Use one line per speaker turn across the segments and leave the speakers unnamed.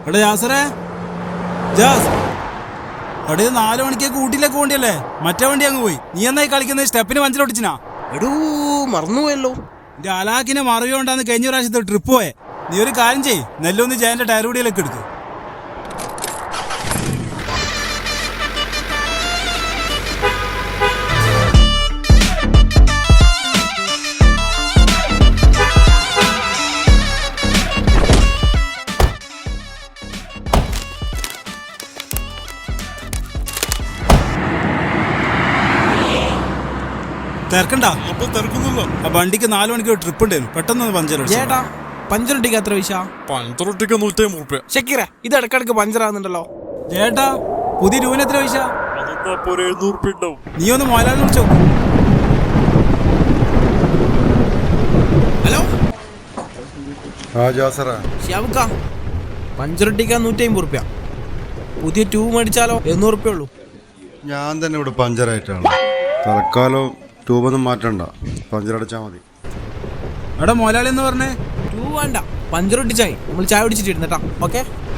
എടാ ജാസറേ, ജാസ് എടേ 4 മണിക്കേക്ക് ഊട്ടിയിലേക്ക് പോണ്ടിയല്ലേ? മറ്റേ വണ്ടി അങ്ങ് പോയി. നീ എന്നായി കളിക്കുന്നത്? സ്റ്റെപ്പിന് പഞ്ചറൊട്ടിച്ചിനാ?
എടൂ മറന്നുപോയല്ലോ.
എന്റെ അലാക്കിനെ മറിയോണ്ടാന്ന് കഴിഞ്ഞ പ്രാവശ്യത്തെ ട്രിപ്പ് പോയെ. നീ ഒരു കാര്യം ചെയ്യ്, നെല്ലൊന്ന് ജയന്റെ ടയർ കൂടിയിലേക്ക് എടുക്കും. തിരക്കണ്ട, ആ വണ്ടിക്ക് 4 മണിക്കൂർ ട്രിപ്പ് ഉണ്ടായിരുന്നു. പെട്ടെന്ന് പഞ്ചർ
ചേട്ടാ, പഞ്ചറൊട്ടിക്ക് എത്ര പൈസ?
പഞ്ചറൊട്ടിക്ക് 150 രൂപ.
ഷക്കീറ, ഇത് ഇടക്കിടക്ക് പഞ്ചറാകുന്നുണ്ടല്ലോ.
ചേട്ടാ, പുതിയ രൂപന് എത്ര പൈസ?
700 രൂപ ഉണ്ടാവും.
നീ ഒന്ന് മോലാൽ വിളിച്ചോ.
ഹലോ
ഷാബുക്ക,
പഞ്ചറൊട്ടിക്കാൻ 150 രൂപ. പുതിയ ട്യൂബ് മേടിച്ചാലോ 200 രൂപ ഉള്ളൂ.
ഞാൻ തന്നെ ഇവിടെ പഞ്ചറായിട്ടാണ്. തൽക്കാലം ട്യൂബൊന്നും മാറ്റണ്ട, പഞ്ചറടിച്ചാൽ മതി.
എടാ മോലാളി എന്ന് പറഞ്ഞേ.
ട്യൂബ് വേണ്ട, പഞ്ചറൊട്ടിച്ചായി. നമ്മൾ ചായ പിടിച്ചിട്ട് ഇരുന്നട്ടാ. ഓക്കെ,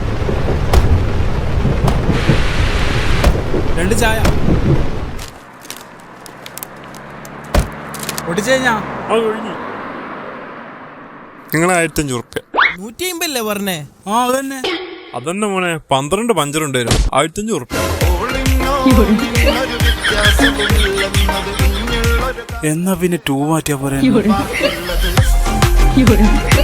2 ചായ ഒട്ടിച്ചു കഴിഞ്ഞാ
നിങ്ങൾ 1500 രൂപ.
150 അല്ലേ പറഞ്ഞേ?
ആ അതന്നെ
അതന്നെ മോനെ, 12 പഞ്ചറുണ്ടായിരുന്നു. 1500 രൂപ.
എന്നാ പിന്നെ 2 മാറ്റിയാ പോരെ.